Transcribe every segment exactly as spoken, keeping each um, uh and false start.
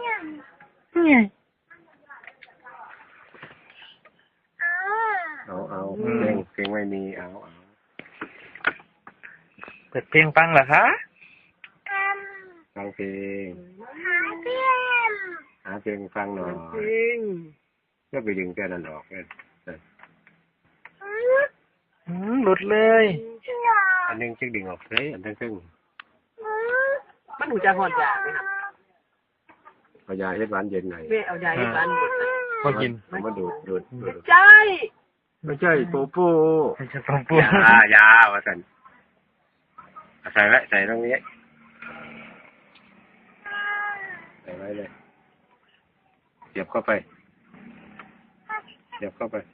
เนี่ยเอาเอาเพลงเพลงไม่มีเอาเอาเปิดเพลงฟังเหรอคะฟังเพลงหาเพลงฟังหน่อยก็ไปดึงแค่นั้นออกเลยหลุดเลยอันนึงจึงดึงออกเลยอันนึงซึ่งมันหูจะหอดยาไหมครับเอายาเฮ็ดหวานเย็นหน่อยแม่เอายาเฮ็ดหวานพอกินมาดูดดูดดูดใช่ไม่ใช่โปโป้ไม่ใช่โปโป้ยายาว่าสันใส่ไว้ใส่ตรงนี้ใส่ไว้เลยเสียบเข้าไปเสียบเข้าไป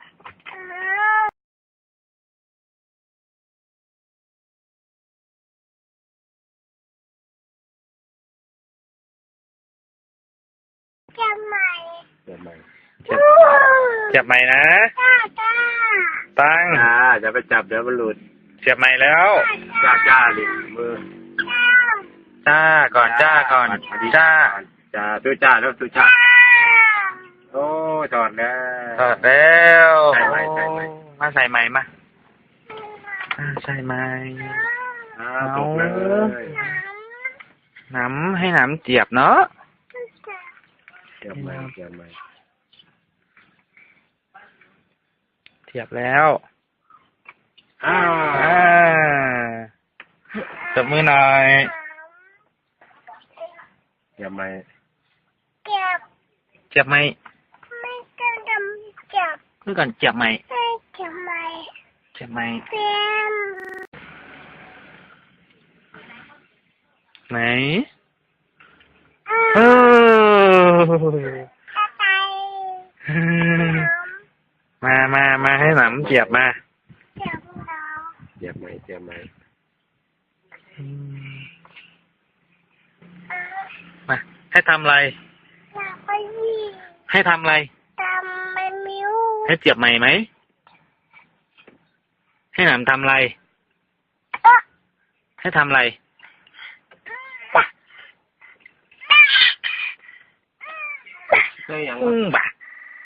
เสียบใหม่เสียบใหม่เสียบใหม่นะตั้งจ้าจะไปจับเดี๋ยวมันหลุดเสียบใหม่แล้วจ้าจ้าลิมือจ้าก่อนจ้าก่อนจ้าจ้าตู้จ้าแล้วตู้จ้าโอ้ถอดแล้วถอดแล้วใส่ใหม่ใส่ใหม่มาใส่ใหม่มาใส่ใหม่เอาน้ำให้น้ำเจียบเนาะเจียบใหม่เจียบใหม่เทียบแล้วอ้าวจับมือหน่อยเจียบใหม่เจียบเจียบไหมไม่ต้องดำจับเมื่อก่อนเจียบไหมเจียบไหมเจียบไหมเจียบไหนเออมามามาให้หนำเจียบมาเจียบน้องเจียบไหมเจียบไหมมาให้ทำอะไรอยากไปวิ่งให้ทำอะไรทำไม่มิ้วให้เจียบใหม่ไหมให้หนำทำอะไรให้ทำอะไรได้ยังอืมบ่ะ